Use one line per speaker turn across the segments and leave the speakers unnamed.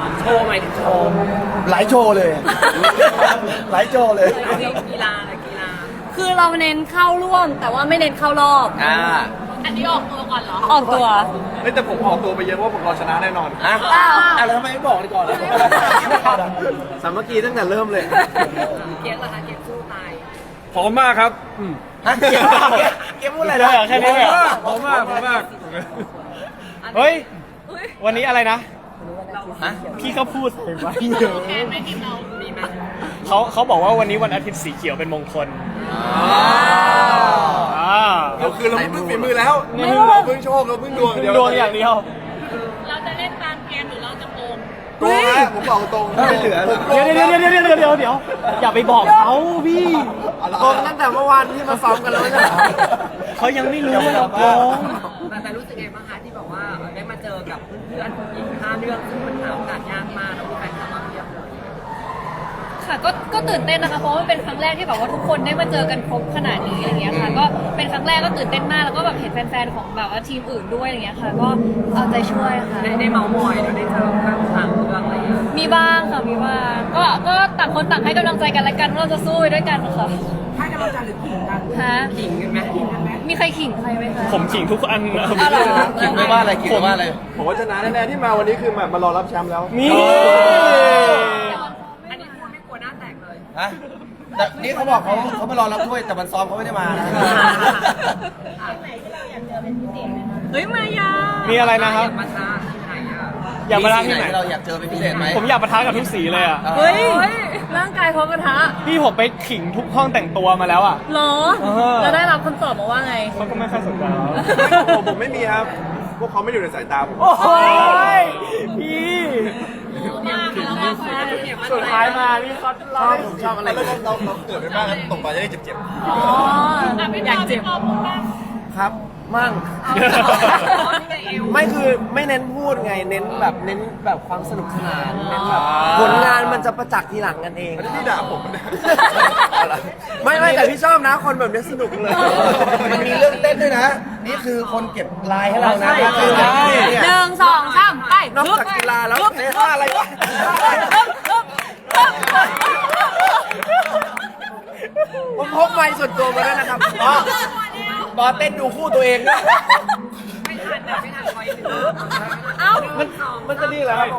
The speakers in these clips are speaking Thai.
โชว์หมายถึงโชว์
หลายโชว์เลย หลายโชว์เลย
กีฬาอะไรกีฬา
คือเราเน้นเข้าร่วม แต่ว่าไม่เน้นเข้ารอบ
อันนี้ออกตัวก่อนเหรอ
ออกตัว
เฮ้ยแต่ผมออกตัวไปเยอะว่าผมรอชนะแน่นอน
แล้วทำไมไม่บอกดีก่อน
สามัคคีตั้งแต่เริ่มเลย
เกียร์เหรอคะเกียร์สู้ตาย
พร้อมมากครับ
ฮะเกมพูดอะไรนะ
แค่นี้เลยเหรอ
พร้อมมากพร้อมมาก
เฮ้ย วันนี้อะไรนะ
ฮะ
พี่เขาพูดเห็นไหม
แค่ไม่ทีมเรามีไหม
เขาบอกว่าวันนี้วันอาทิตย์สีเขียวเป็นมงคลอ่า
เราคือเราเพิ่งฝีมือแล้วเราเพิ่งโชคเราเพิ่งดวงเดียว
ดวงอย่างเดียว
เราจะเล่นตามเกมหรือเราจะโกง
โกงนะผมบอกตรงไม่เหลือ
เดี๋ยวอย่าไปบอกเขาพี่
โกงตั้งแต่เมื่อวานที่มาซ้อมกันแล้วใช่ไหม
เขายังไม่รู้ว่าเราโกง
แต่รู้สึกไงบ้างคะที่บอกว่าได้มาเจอกับเพื่อนอีก5เรื่องซึ่งมันหาโอกาสยากมากแล้วมีแฟนคลับมาเพียบเลย
ค่ะก็ตื่นเต้นนะคะ เพราะว่ามันเป็นครั้งแรกที่แบบว่าทุกคนได้มาเจอกันครบขนาดนี้อะไรเงี้ยค่ะ ก็เป็นครั้งแรกก็ตื่นเต้นมาก แล้วก็แบบเห็นแฟนๆของแบบว่าทีมอื่นด้วยอะไรเงี้ยค่ะ ก็เอาใจช่วยค่ะ
ได้เมาส์มอยแล้วได้เจอข้างทางเรื่องอะไรอย่างเงี้ย
มีบ้างค่ะ มีบ้าง ก็ต่างคนต่างให้กำลังใจกันและกันว่าเราจะสู้ไปด้วยกันค่ะ
ให้กำลังใจหรือขิงกัน
ฮะ
ขิงกันไหมขิงกันไหม
มีใครขิงใครไหมคะ
ผมขิงทุกอันนะ
อ๋อเหรอ
คิดไม่ว่าอะไรคิดไม่ว่าอะไร
ผมว่าชนะแน่ๆที่มาวันนี้คือแบบมารอรับแชมป์แล้ว
นี่
อันนี้พูดไม่กลัวหน้าแตกเลย
ฮะแต่นี่เขาบอกเขามารอรับถ้วยแต่มันซ้อมเขาไม่ได้มานะ
เฮ้ย มายา
มีอะไรนะครับ
มาท้าที่ไหนอ่ะ
อยากมาทานที่ไหน
เราอยากเจอเป็นพิเศษไหม
ผมอยากปะทะกับทุกสีเลยอ่ะ
เฮ้ย ร่างกายพร้อมกระทะ
พี่ผมไปขิงทุกห้องแต่งตัวมาแล้วอ่ะ
เหรอ
เออ
แล้วได้รับคำตอบมาว่าไง
เขาก็ไม่ค่อยสนใจเรา
ผมไม่มีครับ พวกเขาไม่อยู่ในสายตาผม
โอ้ยพี่ สุดท้ายมานี่เขาเรา
ผมชอบอะไรเราเกิดไปบ้างตกปลาจะได้เจ็บ
อ๋อ อยากเจ็บ
ครับ มั่ง ไม่คือไม่เน้นพูดไง เน้นแบบความสนุกสนานเน้นแบบผลงานมันจะประจักษ์ทีหลังกันเอง
ๆอันนี้พี่ด่าผมนะ
ไม่แต่พี่ชอบนะคนแบบนี้สนุกเลย มันมีเรื่องเต้นด้วยนะ นี่คือคนเก็บลายให้เรานะคือ
หนึ่งสองสามไป
นอกจากกีฬาแล้วเต้นอะไรวะผมพกไมค์ส่วนตัวมาด้วยนะครับบอเต้นดูคู่ตัวเองนะ
ไม่ทันนะไม่ทันคอยดู
เอ้า
มันจะดีเหรอครับ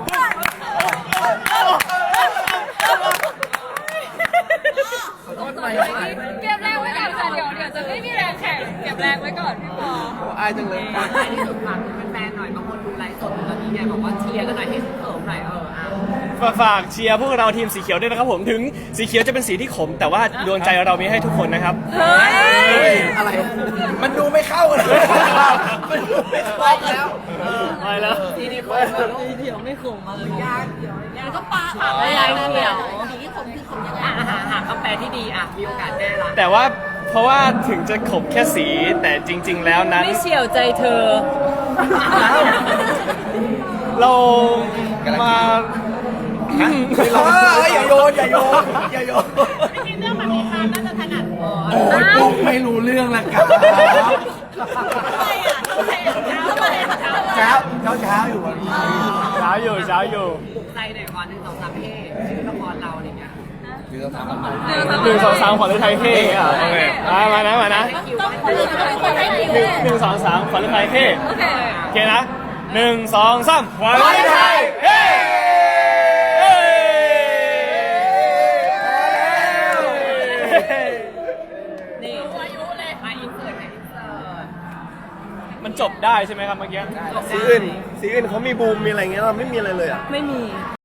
เก็บแรงไว้ก่อนค่ะเดี๋ยวจะไม่มีแรงแข่งเก็บแรงไว้ก่อนพี่ปอ
อายจังเลย
ท้ายที่สุดฝากถึงแฟนๆหน่อยบางคนดูไลฟ์สดตอนนี้เนี่ยบอกว่าเชียร์กันหน่อยให้เขิมหน่อย
ฝากเชียร์พวกเราทีมสีเขียวด้วยนะครับผมถึงสีเขียวจะเป็นสีที่ขม แต่ว่าดวงใจเรามีให้ทุกคนนะครับ
เฮ้ย
อะไร มันดูไม่เข้าเลยมันดูไม่เข้าแล้ว
ไปแล้ว
ทีนี้คนเดี๋ยวไม่ขมมาเลยยากเดี๋ยวก็ปลาค่ะ
ไม่ยากเดี๋ยว
สีที่ขมคือขมยังไงหาคำแปลที่ดีมีโอกาสแน่ละ
แต่ว่าเพราะว่าถึงจะขมแค่สีแต่จริง ๆ แล้วนั้น
ไม่เฉียวใจเธอ
เรามา
อย่าโยนอย่าโยนอย่าโยน
จริงเรื่องแบบนี้ค่ะน่าจะถนัด
โอ้ยปุ๊กไม่รู้เรื่องละครับเช้าอยู่วันนี้
เช้าอยู่
ปลุกใจหน่อยก่อน1 2 3เพ่ชื่อละครเราอะไรเงี้ย
คือเราทำอะไร
1 2 3ขวัญฤทัยเท่อะโอเคมานะ1 2 3ขวัญฤทัยเท่โอเคนะ1 2 3ขวัญฤทัยเท่
นี่อายุเลยมาอินเสิร์ตอินเสิร์ต
มันจบได้ใช่ไหมครับเมื่อกี้
สีอื่นเขามีบูมมีอะไรเงี้ยเราไม่มีอะไรเลยอ่ะ
ไม่มี